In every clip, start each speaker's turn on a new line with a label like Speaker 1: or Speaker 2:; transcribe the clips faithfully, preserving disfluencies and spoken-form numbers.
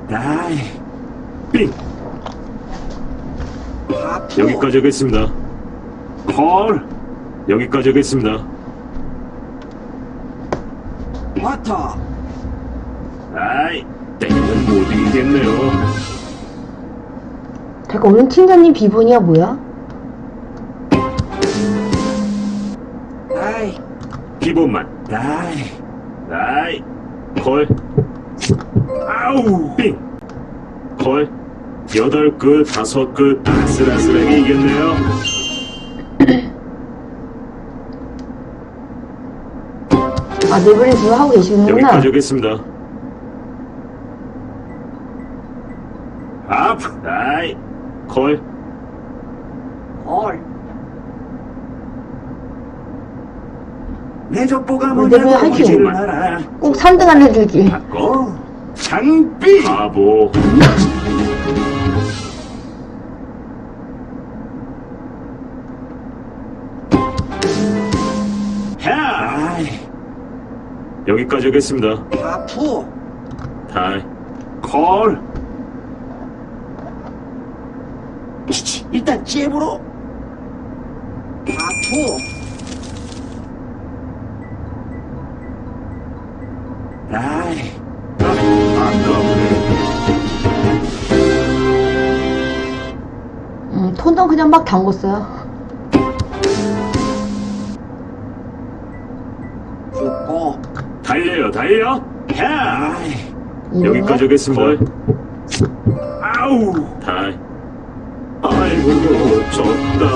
Speaker 1: 다이. 빙.
Speaker 2: 하프.
Speaker 1: 여기까지 하겠습니다. 콜. 여기까지 하겠습니다.
Speaker 2: 와터.
Speaker 1: 아이, 땡은 못 이기겠네요.
Speaker 3: 잠깐, 오늘 팀장님 비번이야 뭐야?
Speaker 2: 다이.
Speaker 1: 기본만. 다이. 다이. 콜. 아우. 빙. 콜. 여덟 끝, 다섯 끝, 아슬아슬하게 이겼네요.
Speaker 3: 아, 네분이 지금 하고 계시는구나.
Speaker 1: 여기까지 하겠습니다. 아프. 다이. 콜.
Speaker 2: 헐. 내 족보가
Speaker 3: 어, 내가
Speaker 2: 뭐냐고
Speaker 3: 할게.
Speaker 2: 묻지를 마라.
Speaker 3: 꼭 삼 등 안에 들기.
Speaker 2: 바꿔. 장비.
Speaker 1: 바보. 야.
Speaker 2: 다이.
Speaker 1: 여기까지 하겠습니다.
Speaker 2: 하프.
Speaker 1: 다이. 콜.
Speaker 2: 치치. 일단 잽으로. 하프. 다이.
Speaker 3: 음, 톤도 그냥 막 담궜어요.
Speaker 2: 죽고.
Speaker 1: 달려요, 달려. 야.
Speaker 2: 다이.
Speaker 1: 여기까지 하겠습니다. 아우. 다이. 아이고, 졌다.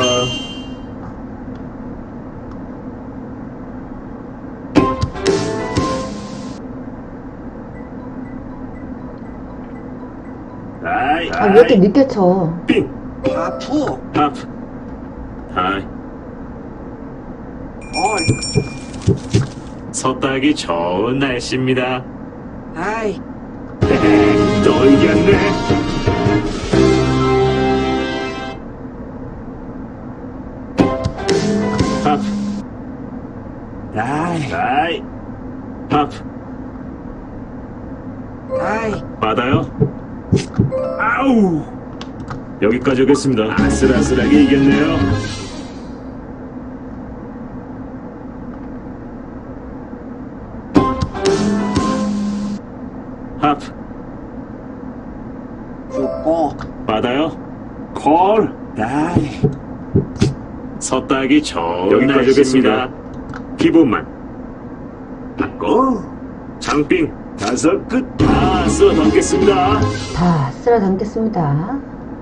Speaker 1: 다이.
Speaker 3: 아, 왜 이렇게 늦게 쳐?
Speaker 1: 빙.
Speaker 2: 하프.
Speaker 1: 하프. 다이.
Speaker 2: 헐.
Speaker 1: 섰다기 좋은 날씨입니다.
Speaker 2: 다이.
Speaker 1: 또 이겼네. 하프.
Speaker 2: 다이.
Speaker 1: 다이. 하프.
Speaker 2: 다이.
Speaker 1: 받아요. 아우. 여기까지 오겠습니다. 아슬아슬하게 이겼네요. 하프.
Speaker 2: 죽고.
Speaker 1: 받아요. 콜.
Speaker 2: 다이.
Speaker 1: 섰다기 좋은 여기까지 오겠습니다. 기본만. 바꿔. 장빙. 다섯 끝. 다 쓸어 담겠습니다.
Speaker 3: 다 쓸어 담겠습니다.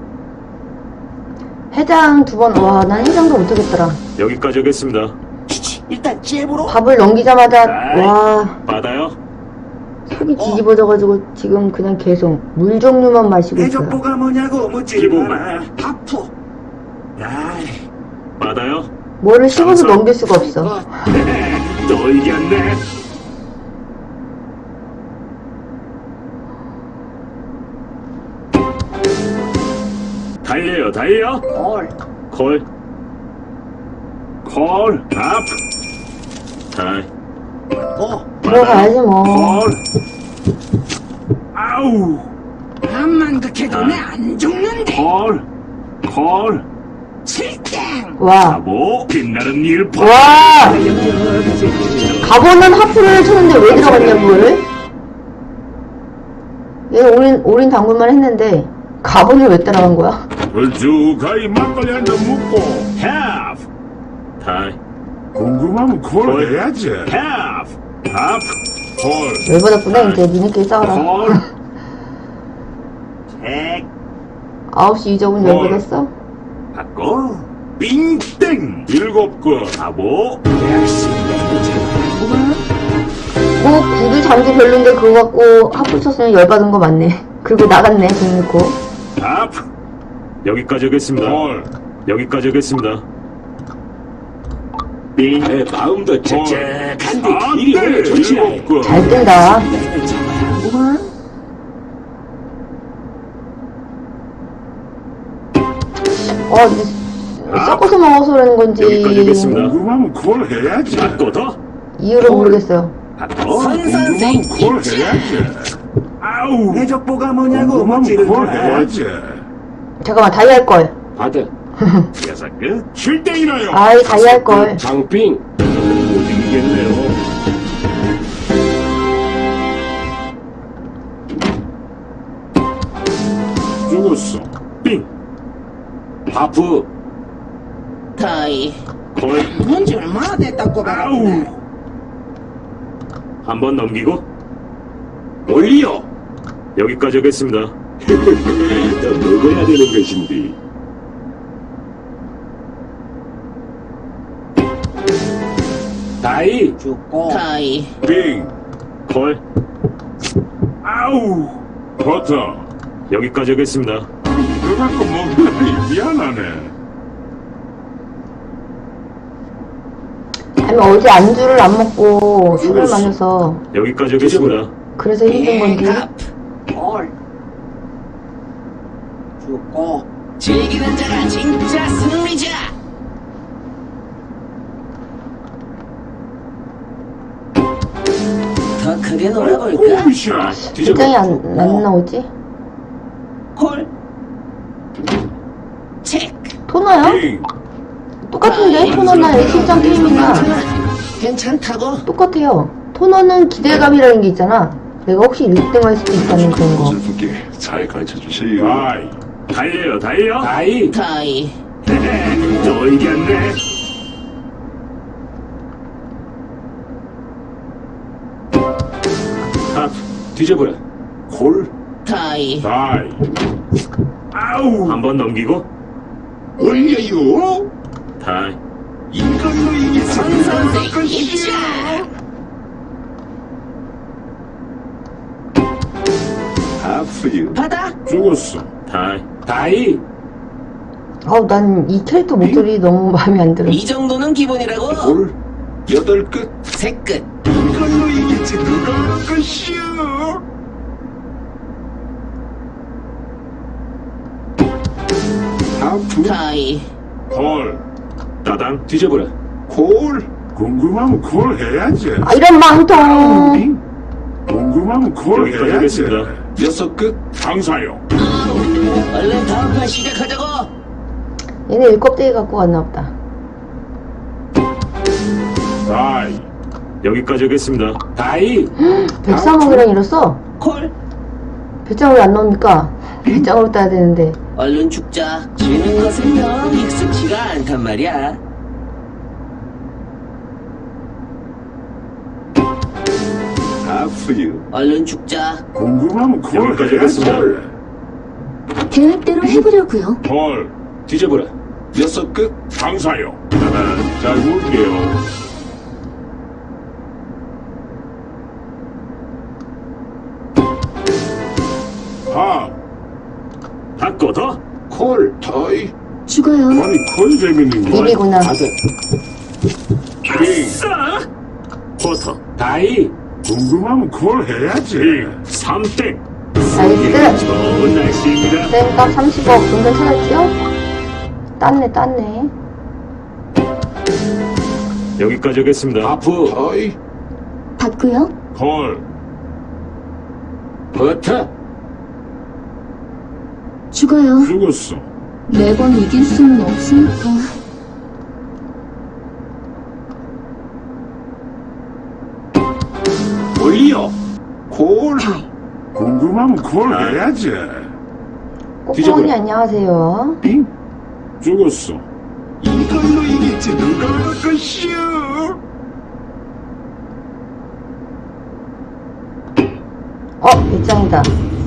Speaker 3: 해장 두 번, 와, 난 해장도 못하겠더라.
Speaker 1: 여기까지 오겠습니다.
Speaker 2: 치치. 일단 잽으로.
Speaker 3: 밥을 넘기자마자,
Speaker 1: 아이.
Speaker 3: 와,
Speaker 1: 받아요.
Speaker 3: 속이 뒤집어져가지고 지금 그냥 계속 물 종류만 마시고
Speaker 2: 내
Speaker 3: 있어요.
Speaker 2: 족보가 뭐냐고 묻지를
Speaker 1: 기본만.
Speaker 2: 마라. 하프. 다이.
Speaker 1: 받아요.
Speaker 3: 뭐를 씹어서
Speaker 1: 장성.
Speaker 3: 넘길 수가 없어.
Speaker 1: 또 이겼네. 달려요, 달려.
Speaker 2: 헐.
Speaker 1: 콜. 콜. 아프. 다이.
Speaker 2: 고.
Speaker 3: 들어가야지 뭐.
Speaker 1: 콜. 아우.
Speaker 2: 암만 극해도 내 안 죽는데.
Speaker 1: 콜. 콜.
Speaker 2: 칠땡.
Speaker 3: 와,
Speaker 1: 바보. 빛나는 일파.
Speaker 3: 와, 가보는 하프를 쳤는데 왜 들어갔냐 그거를? 얘 올인 올인 당근만 했는데 가본을 왜 따라간 거야?
Speaker 4: 걸쭉하게 막걸리 한 잔 먹고
Speaker 1: half. 다이.
Speaker 4: 궁금하면 콜 해야지.
Speaker 1: half. 아프.
Speaker 4: 콜.
Speaker 3: 열받았구나. 이제 니네끼리 싸워라.
Speaker 1: 콜.
Speaker 2: 백.
Speaker 3: 아홉 시 이적은 열받았어?
Speaker 1: 바꿔. 빙땡.
Speaker 4: 일곱 건.
Speaker 1: 바보.
Speaker 2: 역시 내도 잘하구만.
Speaker 3: 뭐 구두 장비 별론데 그거 갖고 하프 쳤으면 열받은 거 맞네. 그리고 나갔네 돈 넣고.
Speaker 1: 아프. 여기까지 하겠습니다.
Speaker 4: 콜.
Speaker 1: 여기까지 하겠습니다. 빙.
Speaker 2: 내 마음도
Speaker 4: 콜.
Speaker 2: 잭잭한데
Speaker 4: 안
Speaker 2: 길이
Speaker 4: 돼.
Speaker 2: 오래 좋지
Speaker 4: 일곱 건.
Speaker 3: 잘 뜬다.
Speaker 2: 내도 잘하구만.
Speaker 3: 어 근데 섞어서 먹어서 그러는 건지
Speaker 1: 여기까지 하겠습니다.
Speaker 4: 궁금하면 콜 해야지.
Speaker 1: 바꿔 더.
Speaker 3: 이유를 모르겠어요.
Speaker 1: 바꿔.
Speaker 4: 궁금하면 콜 해야지. 아우.
Speaker 2: 내 족보가 뭐냐고
Speaker 4: 궁금하면
Speaker 2: 묻지를
Speaker 4: 그걸
Speaker 2: 마.
Speaker 4: 해야지.
Speaker 3: 잠깐만, 다이 할걸.
Speaker 2: 받아.
Speaker 1: 여섯 끝.
Speaker 4: 칠땡이나요.
Speaker 3: 아이, 다이 할걸.
Speaker 2: 장빙.
Speaker 1: 못 이기겠네요.
Speaker 4: 죽었어.
Speaker 1: 빙.
Speaker 2: 하프.
Speaker 5: 다이
Speaker 1: 걸.
Speaker 5: 뭔지 얼마나 됐다고
Speaker 4: 아우.
Speaker 5: 말하는데
Speaker 1: 한 번 넘기고
Speaker 2: 올려.
Speaker 1: 여기까지 하겠습니다.
Speaker 2: 너 먹어야 되는 것인데. 다이.
Speaker 5: 죽고 다이
Speaker 4: 빙.
Speaker 1: 걸.
Speaker 4: 아우. 버터.
Speaker 1: 여기까지 하겠습니다.
Speaker 4: 이거 갖고 먹으니 미안하네.
Speaker 3: 아니, 어제 안주를 안 먹고 술을
Speaker 4: 죽었어.
Speaker 3: 마셔서
Speaker 1: 여기까지 하겠습니다.
Speaker 3: 그래서 힘든 건지.
Speaker 5: 헐 죽고 즐기는 자가 진짜 승리자 더 크게 놀아볼까?
Speaker 4: 오비샤.
Speaker 3: 굉장히 안, 안 나오지?
Speaker 5: 콜 체크
Speaker 3: 토너요?
Speaker 4: 빙.
Speaker 3: 똑같은데? 토너나 일십장 게임이나
Speaker 5: 괜찮다고?
Speaker 3: 똑같아요. 토너는 기대감이라는 게 있잖아. 내가 혹시 일 등 할 수도 있다는 그런 거.
Speaker 6: 슬프게 잘 가르쳐 주세요.
Speaker 4: 다이.
Speaker 1: 달려요, 달려.
Speaker 2: 다이.
Speaker 5: 다이
Speaker 1: 헤헤, 또 이겼네.
Speaker 2: 하프. 뒤져보라. 콜.
Speaker 5: 다이
Speaker 4: 다이. 아우.
Speaker 1: 한 번 넘기고
Speaker 6: 올려요.
Speaker 1: 다이.
Speaker 6: 이걸로 이기겠습니다.
Speaker 5: 선선생 입장
Speaker 6: 하프유.
Speaker 5: 받아
Speaker 4: 죽었어.
Speaker 1: 다이.
Speaker 2: 다이.
Speaker 3: 아우, 난 이 캐릭터 목소리 너무 마음에 안 들어.
Speaker 5: 이 정도는 기본이라고
Speaker 6: 콜. 여덟 끝.
Speaker 5: 새끝
Speaker 6: 이걸로 이기지 누가 하는 것이요. 하프.
Speaker 5: 다이
Speaker 4: 걸.
Speaker 1: 따당.
Speaker 2: 뒤져보라.
Speaker 6: 콜.
Speaker 4: 궁금하면 그걸 해야지.
Speaker 3: 아, 이런 망통!
Speaker 6: 빙.
Speaker 4: 궁금하면 그걸
Speaker 1: 여기까지
Speaker 4: 해야지.
Speaker 1: 하겠습니다.
Speaker 6: 여섯 끝.
Speaker 4: 장사요.
Speaker 5: 얼른 다음 판 시작하자고
Speaker 3: 얘네 일 껍데기 갖고 왔나 보다.
Speaker 4: 다이.
Speaker 1: 여기까지 하겠습니다.
Speaker 2: 다이.
Speaker 3: 백삼억이랑 이랬어?
Speaker 5: 콜
Speaker 3: 배짱을 왜 안 넣습니까? 배짱으로 따야 되는데.
Speaker 5: 얼른 죽자 지는 것은 영 익숙치가 않단 말이야
Speaker 6: 하프유.
Speaker 5: 얼른 죽자
Speaker 4: 궁금하면 그걸
Speaker 1: 여기까지
Speaker 4: 해야지.
Speaker 1: 하겠습니다.
Speaker 7: 계획대로 해보려고요.
Speaker 4: 걸.
Speaker 2: 뒤져보라.
Speaker 6: 여섯 끝.
Speaker 4: 장사요. 따단. 잘 볼게요. 하.
Speaker 1: 바꿔 더.
Speaker 6: 콜. 더이.
Speaker 7: 죽어요.
Speaker 4: 아니 걸 재밌는 거.
Speaker 3: 일이구나.
Speaker 6: 받아.
Speaker 4: 빙.
Speaker 1: 싸. 버터.
Speaker 2: 다이.
Speaker 4: 궁금하면 그걸 해야지.
Speaker 1: 빙. 삼땡.
Speaker 3: 나이스!
Speaker 1: 좋은 날씨입니다.
Speaker 3: 땡값 삼십억. 돈 괜찮았지요? 땄네, 땄네.
Speaker 1: 여기까지 하겠습니다.
Speaker 2: 하프.
Speaker 6: 더이.
Speaker 7: 받고요.
Speaker 4: 걸.
Speaker 2: 버터.
Speaker 7: 죽어요.
Speaker 4: 죽었어.
Speaker 7: 매번 이길 수는 없으니까.
Speaker 2: 올려.
Speaker 6: 콜.
Speaker 4: 궁금하면 그걸
Speaker 1: 아.
Speaker 4: 해야지.
Speaker 3: 꼬꼬니
Speaker 2: 뒤져보라.
Speaker 3: 안녕하세요.
Speaker 6: 빙.
Speaker 4: 죽었어.
Speaker 6: 이걸로 이기지 누가 하는 것이요.
Speaker 3: 어, 배짱이다.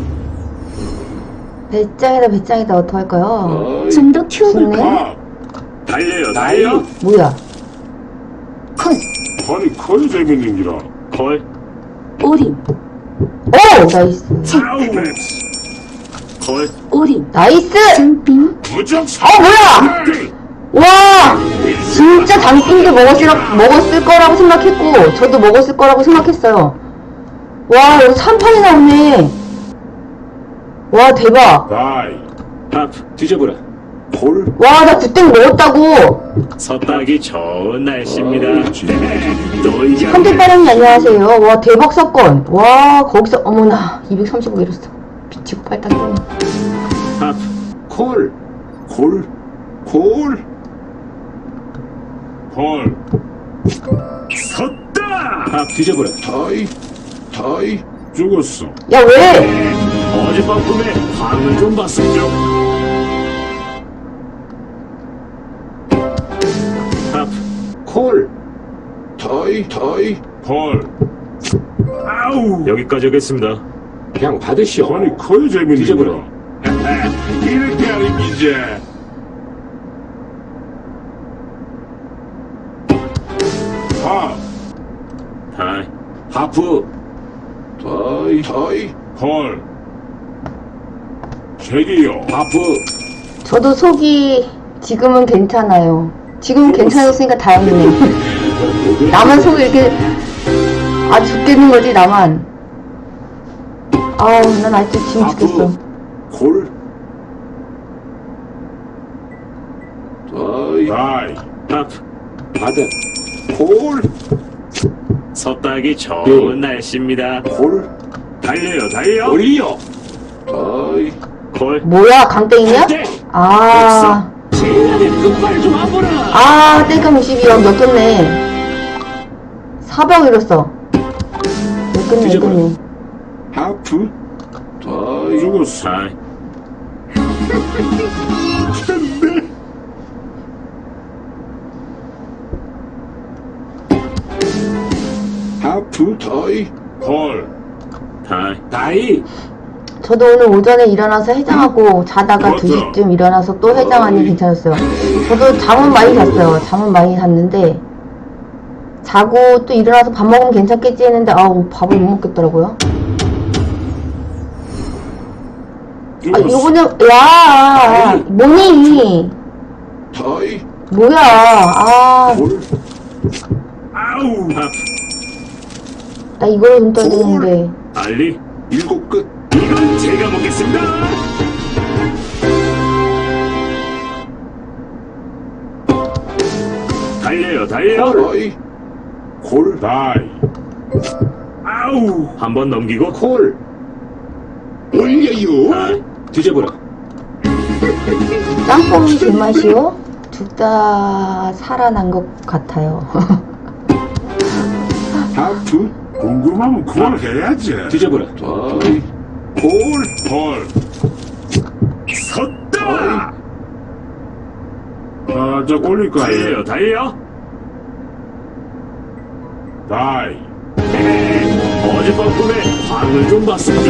Speaker 3: 배짱이다, 배짱이다. 어떡할까요?
Speaker 6: 더이.
Speaker 7: 좀 더 키워볼까?
Speaker 3: 좋네.
Speaker 4: 하.
Speaker 1: 달려요,
Speaker 2: 다이.
Speaker 1: 달려.
Speaker 3: 뭐야?
Speaker 7: 컷.
Speaker 4: 아니 걸 재밌는 기라.
Speaker 1: 걸.
Speaker 7: 오림.
Speaker 3: 오! 나이스.
Speaker 4: 아우.
Speaker 1: 걸.
Speaker 7: 오림.
Speaker 3: 나이스!
Speaker 7: 장빙.
Speaker 4: 무적 사.
Speaker 3: 어, 뭐야! 와! 진짜 장빙도 먹었을, 먹었을 거라고 생각했고, 저도 먹었을 거라고 생각했어요. 와, 여기 삼 판이 나오네. 와, 대박.
Speaker 4: 다이.
Speaker 1: 하프.
Speaker 2: 뒤져보라. 콜,
Speaker 3: 와, 나 구땡 먹었다고!
Speaker 1: 섰다기 좋은 날씨입니다.
Speaker 4: 아, 진짜.
Speaker 1: 네, 놀자.
Speaker 3: 한대빠랑이 안녕하세요. 와, 대박 사건. 와, 거기서, 어머나, 이백삼십오 잃었어. 미치고 팔딱 뛰네.
Speaker 1: 밥.
Speaker 2: 콜, 콜, 콜,
Speaker 4: 콜.
Speaker 1: 섰다.
Speaker 2: 밥 뒤져보라.
Speaker 4: 다이. 다이. 죽었어.
Speaker 3: 야, 왜?
Speaker 1: 네, 어젯밤 꿈에 방을 좀 봤었죠. 밥.
Speaker 2: 콜,
Speaker 4: 다이. 다이. 콜.
Speaker 1: 아우. 여기까지 하겠습니다.
Speaker 2: 그냥 받으시오.
Speaker 4: 아니, 커야 재밌는
Speaker 2: 뒤져보라.
Speaker 4: 기라. 이렇게 하는 기제. 밥.
Speaker 1: 다이.
Speaker 2: 하프,
Speaker 4: 다이. 다이. 콜. 책이요.
Speaker 2: 하프,
Speaker 3: 저도 속이 지금은 괜찮아요. 지금은 괜찮았으니까 다행이네. 나만 속이 이렇게, 아, 죽겠는 거지, 나만. 아우, 난 아직도 지금 죽겠어.
Speaker 2: 콜,
Speaker 4: 다이. 다이.
Speaker 1: 밥.
Speaker 2: 받아. 콜,
Speaker 1: 섰다기 좋은
Speaker 2: 네.
Speaker 1: 날씨입니다.
Speaker 2: 콜,
Speaker 1: 달려요, 달려.
Speaker 2: 콜이요.
Speaker 4: 다이.
Speaker 1: 콜.
Speaker 3: 뭐야, 강땡이냐?
Speaker 1: 땡.
Speaker 3: 아,
Speaker 1: 제안에 끝발 좀 와보라.
Speaker 3: 아, 땡깡 이십이요. 엮였네. 사백 잃었어. 엮였네,
Speaker 2: 뒤져봐라.
Speaker 3: 엮였네.
Speaker 4: 하프. 다이. 죽었어.
Speaker 1: 다이.
Speaker 4: 하프. 다이. 콜.
Speaker 1: 다이.
Speaker 2: 다이,
Speaker 3: 저도 오늘 오전에 일어나서 해장하고 자다가
Speaker 4: 맞아.
Speaker 3: 두 시쯤 일어나서 또 해장하니 괜찮았어요. 저도 잠은 많이 잤어요. 잠은 많이 잤는데 자고 또 일어나서 밥 먹으면 괜찮겠지 했는데 아우 밥을 못 먹겠더라고요. 아
Speaker 4: 죽었어.
Speaker 3: 요거는 야 뭐니
Speaker 4: 다이.
Speaker 3: 뭐야 아
Speaker 2: 콜,
Speaker 1: 아우. 밥.
Speaker 3: 나 이걸로 돈 떠야 되는데
Speaker 1: 알리.
Speaker 2: 일곱 끝.
Speaker 1: 이건 제가 먹겠습니다. 달려요, 달려.
Speaker 4: 다이.
Speaker 2: 콜,
Speaker 4: 다이.
Speaker 1: 아우. 한 번 넘기고.
Speaker 2: 콜,
Speaker 4: 올려요.
Speaker 1: 다이.
Speaker 2: 뒤져보라.
Speaker 3: 짬뽕이 제맛이요? 둘 다 살아난 것 같아요.
Speaker 4: 하프. 궁금하면 콜 해야지.
Speaker 2: 뒤져보라.
Speaker 4: 다이.
Speaker 2: 콜,
Speaker 4: 콜.
Speaker 1: 섰다.
Speaker 4: 아, 저 올릴 거
Speaker 1: 달려요,
Speaker 4: 아니에요.
Speaker 1: 달려.
Speaker 4: 다이.
Speaker 1: 네, 어젯밤 꿈에 방을 좀 봤었죠.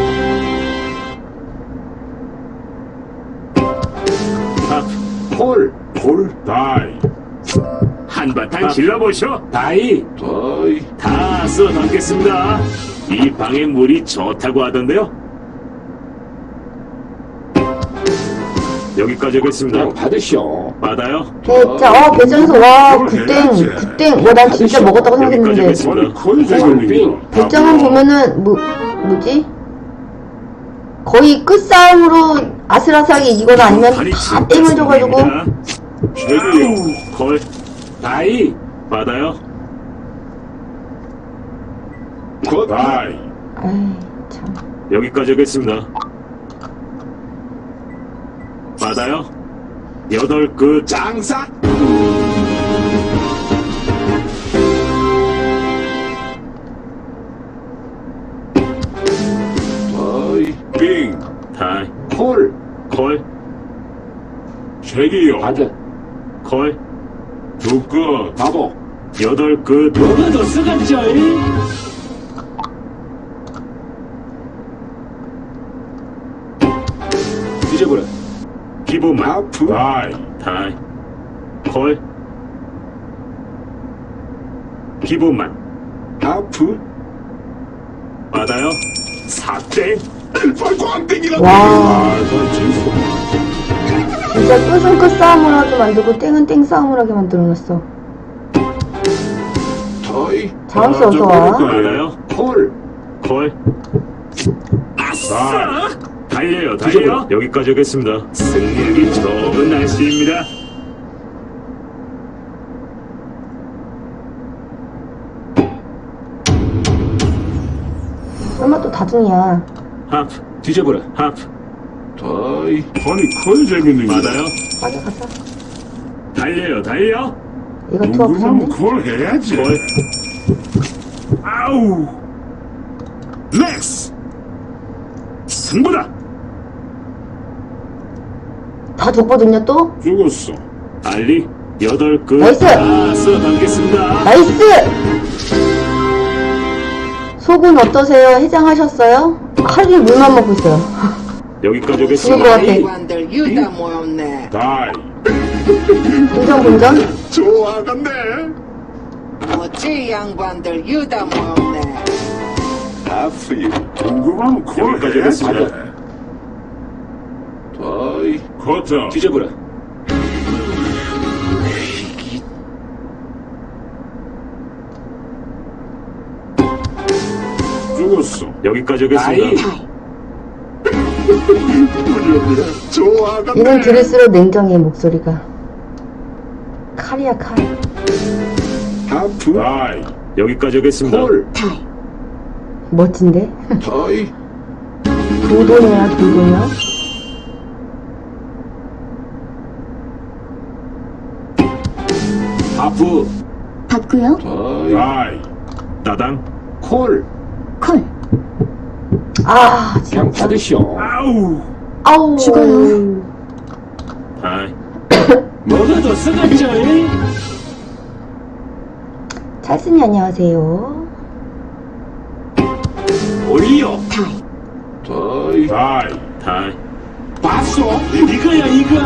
Speaker 1: 밥.
Speaker 2: 콜, 콜,
Speaker 4: 다이.
Speaker 1: 한바탕 질러보셔.
Speaker 2: 다이,
Speaker 4: 다이.
Speaker 1: 다 쓸어 담겠습니다. 이 방의 물이 좋다고 하던데요. 여기까지 하겠습니다.
Speaker 2: 그냥 받으시오.
Speaker 1: 받아요.
Speaker 3: 대짜 어 배짱에서 와 굿땡 굿땡 와난 진짜 먹었다고 생각했는데
Speaker 1: 여기까지
Speaker 4: 아니, 콜 재밌는 기라.
Speaker 3: 배짱은 보면은 뭐 뭐지 거의 끝싸움으로 아슬아슬하게 이기거나 아니면
Speaker 1: 발이
Speaker 3: 다
Speaker 1: 진짜
Speaker 3: 땡을 줘가지고
Speaker 1: 씁니다.
Speaker 4: 책이요.
Speaker 1: 걸
Speaker 2: 다이,
Speaker 1: 받아요.
Speaker 4: 다이.
Speaker 3: 아이 참
Speaker 1: 여기까지 하겠습니다. 받아요. 여덟 끝.
Speaker 2: 장사,
Speaker 4: 다이. 빙.
Speaker 1: 다이.
Speaker 2: 콜,
Speaker 1: 걸.
Speaker 4: 책이요.
Speaker 2: 받아.
Speaker 1: 걸.
Speaker 4: 두 끝.
Speaker 2: 바보.
Speaker 1: 여덟 끝.
Speaker 5: 뭐가 더 쓰갔죠?
Speaker 2: 뒤져보라.
Speaker 1: 기본만.
Speaker 2: 하프,
Speaker 4: 다이.
Speaker 1: 다이. 걸. 기본만.
Speaker 2: 하프,
Speaker 1: 받아요. 사땡.
Speaker 4: 빨고 안 땡기라.
Speaker 3: 와.
Speaker 4: 아, 저 진짜.
Speaker 3: 진짜 끝은 끝싸움을 하게 만들고 땡은 땡 싸움을 하게 만들어놨어.
Speaker 4: 다이.
Speaker 3: 장수
Speaker 4: 아,
Speaker 3: 어서
Speaker 4: 저
Speaker 3: 와.
Speaker 4: 올릴 거 아니에요.
Speaker 1: 받아요.
Speaker 2: 콜,
Speaker 1: 걸.
Speaker 4: 다이.
Speaker 1: 달려요,
Speaker 2: 뒤져보라.
Speaker 1: 달려요. 여기까지 하겠습니다. 승리하기 좋은 날씨입니다.
Speaker 3: 설마 또 다중이야.
Speaker 1: 하프,
Speaker 2: 뒤져보라.
Speaker 1: 하프.
Speaker 4: 다이. 아니, 커야 재밌는 게.
Speaker 1: 맞아요.
Speaker 3: 빠져가자.
Speaker 1: 달려요, 달려.
Speaker 3: 얘가
Speaker 4: 궁금하면
Speaker 3: 투합했네.
Speaker 4: 그걸 해야지.
Speaker 1: 콜.
Speaker 4: 아우.
Speaker 1: 렉스. 승부다.
Speaker 3: 다 줬거든요, 또?
Speaker 4: 죽었어.
Speaker 1: 알리, 여덟 끝.
Speaker 3: 나이스!
Speaker 1: 아싸, 반갑습니다.
Speaker 3: 나이스! 속은 어떠세요? 해장하셨어요? 하루 종일 물만 먹고 있어요.
Speaker 1: 여기까지
Speaker 3: 죽을 것
Speaker 1: 하겠습니다.
Speaker 3: 같아.
Speaker 8: 관들 유다 모였네.
Speaker 4: 다이.
Speaker 3: 분전, 분전?
Speaker 4: 좋아하겠네.
Speaker 8: 어찌 양반들 유다 모였네.
Speaker 4: 하프유. 궁금하면 그걸
Speaker 1: 여기까지
Speaker 4: 해야지.
Speaker 1: 하겠습니다.
Speaker 4: 다이. 커터.
Speaker 2: 뒤져보라.
Speaker 4: 죽었어.
Speaker 1: 여기까지 하겠습니다.
Speaker 4: 좋아하겠네.
Speaker 3: 이는 들을수록 냉정해, 목소리가. 칼이야, 칼.
Speaker 2: 하프.
Speaker 4: 다이.
Speaker 1: 여기까지 하겠습니다.
Speaker 2: 콜.
Speaker 7: 다이.
Speaker 3: 멋진데?
Speaker 4: 다이.
Speaker 3: 도도녀야, 도도녀?
Speaker 2: 하프.
Speaker 7: 받고요.
Speaker 4: 다이. 다이.
Speaker 1: 따당.
Speaker 2: 콜.
Speaker 7: 콜.
Speaker 3: 아,
Speaker 2: 그냥
Speaker 3: 진짜.
Speaker 2: 받으시오.
Speaker 4: 아우.
Speaker 3: 아우.
Speaker 7: 죽어요.
Speaker 1: 다이.
Speaker 2: 뭐가 더 쓰겠죠?
Speaker 3: 찰스님, 안녕하세요.
Speaker 2: 올려.
Speaker 7: 다이.
Speaker 4: 다이. 다이.
Speaker 1: 다이.
Speaker 2: 봤어? 이거야, 이거.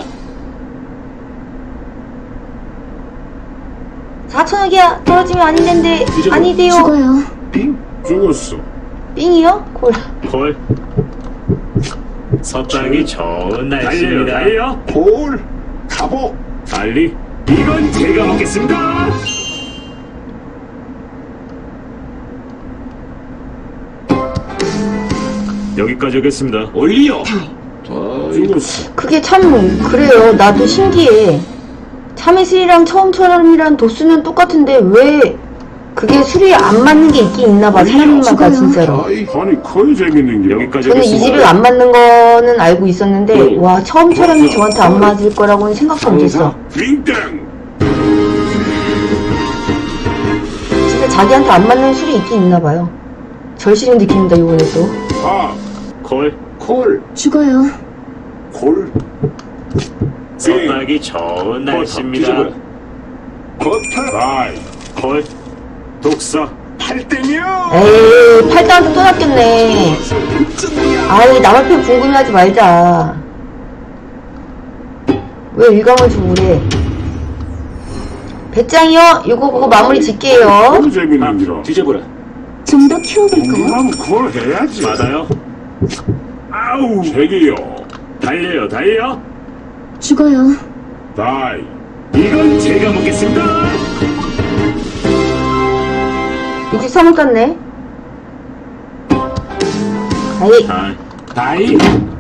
Speaker 3: 사천억이야. 떨어지면 안 되는데.
Speaker 2: 뒤져봐.
Speaker 3: 아니대요.
Speaker 7: 죽어요.
Speaker 2: 빙.
Speaker 4: 죽었어.
Speaker 3: 삥이요? 콜.
Speaker 1: 콜. 서땅이 좋은 날씨입니다. 달려, 달려.
Speaker 2: 콜. 가보.
Speaker 1: 알리, 이건 제가 먹겠습니다. 여기까지 하겠습니다.
Speaker 2: 올려.
Speaker 7: 다이.
Speaker 4: 죽었어.
Speaker 3: 그게 참, 그래요. 나도 신기해. 참외 술이랑 처음처럼이랑 도수는 똑같은데 왜 그게 술이 안 맞는 게 있긴 있나 봐. 사람마다 진짜로.
Speaker 4: 다이. 아니, 커야 재밌는 게.
Speaker 1: 여기까지
Speaker 3: 저는 이
Speaker 1: 하겠습니다.
Speaker 3: 집을 안 맞는 거는 알고 있었는데
Speaker 2: 네.
Speaker 3: 와 처음처럼이 저한테 안 맞을 거라고는 생각도 못했어.
Speaker 4: 빙땡.
Speaker 3: 진짜 자기한테 안 맞는 술이 있긴 있나 봐요. 절실히 느낍니다 이번에 또.
Speaker 4: 아.
Speaker 1: 콜.
Speaker 2: 콜.
Speaker 7: 죽어요.
Speaker 2: 콜.
Speaker 1: 서땅이 좋은 날씨입니다.
Speaker 2: 뒤져보라.
Speaker 4: 커터. 다이.
Speaker 1: 콜. 독서.
Speaker 4: 팔땡이요.
Speaker 3: 에이 팔당한테 또 낚였네. 아이 남의 편 궁금해하지 말자. 왜 일감을 주고 그래. 배짱이요? 이거 보고 마무리 짓게요.
Speaker 4: 커야 재밌는 기라.
Speaker 2: 뒤져보라.
Speaker 7: 좀 더 키워볼까요?
Speaker 4: 궁금하면 그걸 해야지.
Speaker 1: 맞아요.
Speaker 4: 아우. 책이요.
Speaker 1: 달려요, 달려.
Speaker 7: 죽어요.
Speaker 4: 다이.
Speaker 1: 이건 제가 먹겠습니다.
Speaker 3: 이 집 사못 갔네. 아이
Speaker 1: 다이.
Speaker 2: 다이.